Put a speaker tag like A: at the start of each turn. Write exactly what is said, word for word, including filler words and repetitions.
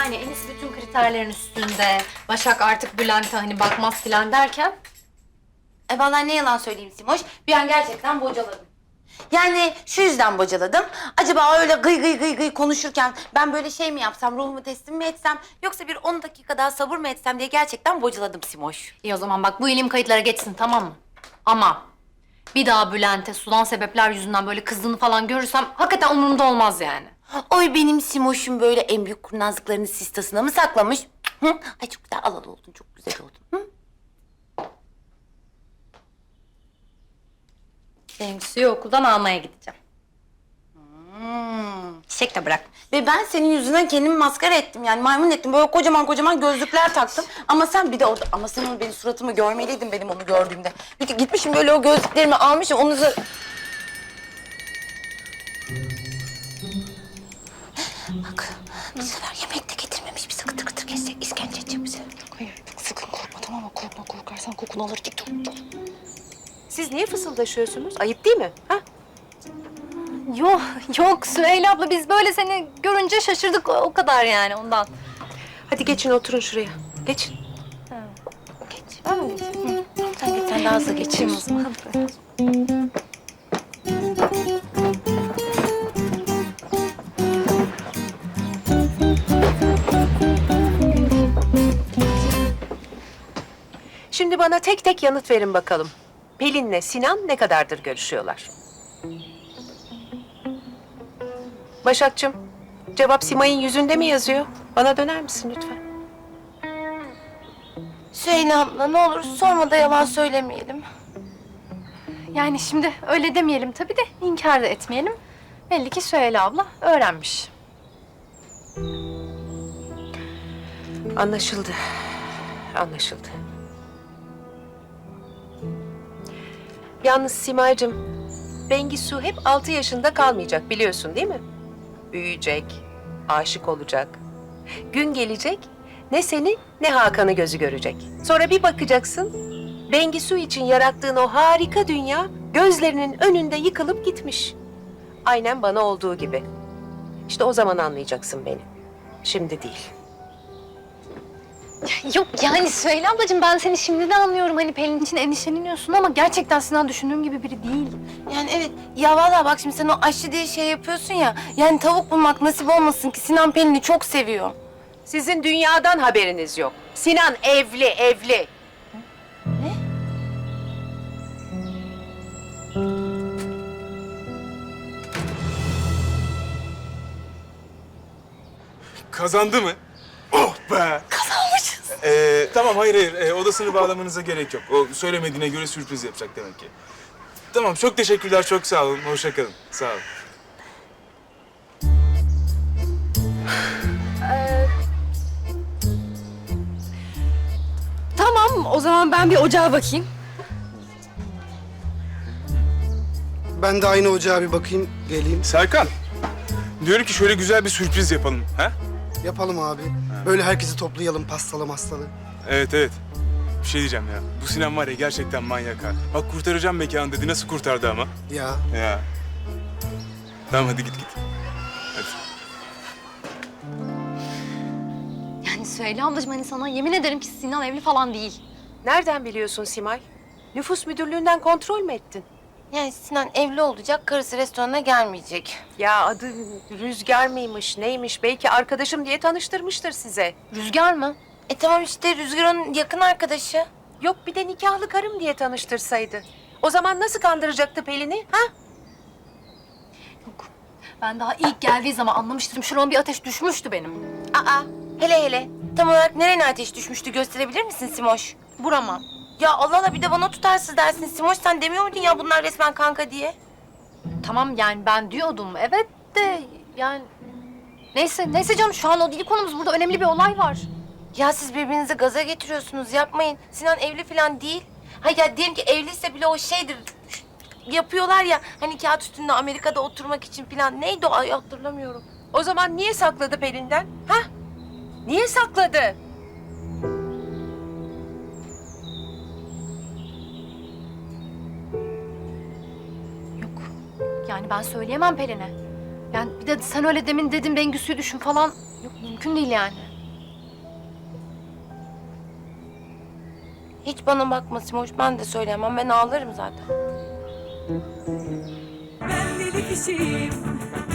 A: Yani Enis bütün kriterlerin üstünde. Başak artık Bülent'e hani bakmaz filan derken.
B: E vallahi ne yalan söyleyeyim Simoş, bir an gerçekten bocaladım. Yani şu yüzden bocaladım. Acaba öyle gıy gıy gıy gıy konuşurken ben böyle şey mi yapsam, ruhumu teslim mi etsem... ...yoksa bir on dakika daha sabır mı etsem diye gerçekten bocaladım Simoş.
A: İyi o zaman bak bu ilim kayıtlara geçsin, tamam mı? Ama bir daha Bülent'e sudan sebepler yüzünden böyle kızdığını falan görürsem hakikaten umurumda olmaz yani.
B: Oy benim Simoş'um böyle en büyük kurnazlıklarını sistasına mı saklamış? Hı? Ay çok güzel alalı oldun, çok güzel oldun. Hı?
A: Bengisu'yu okuldan almaya gideceğim.
B: Hmm.
A: Çiçek de bırak.
B: Ve ben senin yüzünden kendimi maskara ettim yani maymun ettim. Böyle kocaman kocaman gözlükler taktım. Ama sen bir de orada, ama sen onu benim suratımı görmeliydin benim onu gördüğümde. Bir de gitmişim böyle o gözlüklerimi almışım onu da... Bak bu sefer yemek de getirmemiş. Bir sıkı tıkı tık geçecek, işkence edecek bize.
C: Hayır, sakın korkma tamam mı? Korkma, korkarsan kokunu alır git dur.
D: Siz niye fısıldaşıyorsunuz? Ayıp değil mi? Ha?
A: Yok, yok Süheyla abla biz böyle seni görünce şaşırdık o, o kadar yani ondan.
D: Hadi geçin oturun şuraya. Geçin.
B: Geç. Ben mi geçeyim? Hı. Sen geç, sen daha hızlı geçeyim o zaman.
D: Şimdi bana tek tek yanıt verin bakalım. Pelin'le Sinan ne kadardır görüşüyorlar? Başakçığım, cevap Simay'ın yüzünde mi yazıyor? Bana döner misin lütfen?
B: Süheyla abla ne olur sorma da yalan söylemeyelim.
A: Yani şimdi öyle demeyelim tabii de inkar da etmeyelim. Belli ki Süheyla abla öğrenmiş.
D: Anlaşıldı. Anlaşıldı. Yalnız Simay'cığım, Bengisu hep altı yaşında kalmayacak biliyorsun değil mi? Büyüyecek, aşık olacak. Gün gelecek, ne seni ne Hakan'ı gözü görecek. Sonra bir bakacaksın, Bengisu için yarattığın o harika dünya gözlerinin önünde yıkılıp gitmiş. Aynen bana olduğu gibi. İşte o zaman anlayacaksın beni. Şimdi değil.
A: Yok yani Süheyla ablacığım ben seni şimdi de anlıyorum. Hani Pelin için endişeleniyorsun ama gerçekten Sinan düşündüğüm gibi biri değil.
B: Yani evet ya vallahi bak şimdi sen o aşçı diye şey yapıyorsun ya. Yani tavuk bulmak nasip olmasın ki Sinan Pelin'i çok seviyor.
D: Sizin dünyadan haberiniz yok. Sinan evli, evli.
E: Kazandı mı? Oh be!
B: Kazanmışız.
E: Ee, tamam hayır hayır ee, odasını bağlamanıza gerek yok. O söylemediğine göre sürpriz yapacak demek ki. Tamam çok teşekkürler, çok sağ olun. Hoşça kalın. Sağ olun.
A: Tamam o zaman ben bir ocağa bakayım.
F: Ben de aynı ocağa bir bakayım, geleyim.
E: Serkan, diyorum ki şöyle güzel bir sürpriz yapalım. Ha?
F: Yapalım abi. Böyle herkesi toplayalım, pastalı mastalı.
E: Evet evet. Bir şey diyeceğim ya. Bu Sinan var ya gerçekten manyak ha. Bak kurtaracağım mekanı dedi. Nasıl kurtardı ama?
F: Ya.
E: Ya. Tamam hadi git git. Hadi.
A: Yani Süheyla ablacığım hani sana yemin ederim ki Sinan evli falan değil.
D: Nereden biliyorsun Simay? Nüfus müdürlüğünden kontrol mü ettin?
B: Yani Sinan evli olacak, karısı restorana gelmeyecek.
D: Ya adı Rüzgar mıymış, neymiş? Belki arkadaşım diye tanıştırmıştır size.
A: Rüzgar mı?
B: E tamam işte Rüzgar onun yakın arkadaşı.
D: Yok bir de nikahlı karım diye tanıştırsaydı. O zaman nasıl kandıracaktı Pelin'i? Ha?
A: Yok. Ben daha ilk geldiği zaman anlamıştım. Şurama bir ateş düşmüştü benim.
B: Aa hele hele. Tam olarak nerene ateş düşmüştü gösterebilir misin Simoş?
A: Burama.
B: Ya Allah Allah bir de bana tutarsız dersin Simoş. Sen demiyor muydun ya bunlar resmen kanka diye?
A: Tamam yani ben diyordum evet de yani... Neyse, neyse canım şu an o değil konumuz. Burada önemli bir olay var.
B: Ya siz birbirinizi gaza getiriyorsunuz yapmayın. Sinan evli falan değil. Ha ya diyelim ki evliyse bile o şeydir. Yapıyorlar ya hani kağıt üstünde Amerika'da oturmak için falan. Neydi o ay hatırlamıyorum.
D: O zaman niye sakladı Pelin'den? Ha? Niye sakladı?
A: Yok. Yani ben söyleyemem Pelin'e. Yani bir de sen öyle demin dedin Bengüsü'yü düşün falan. Yok mümkün değil yani.
B: Hiç bana bakma Simoş, ben de söyleyemem. Ben ağlarım zaten.
G: Ben deli kişiyim,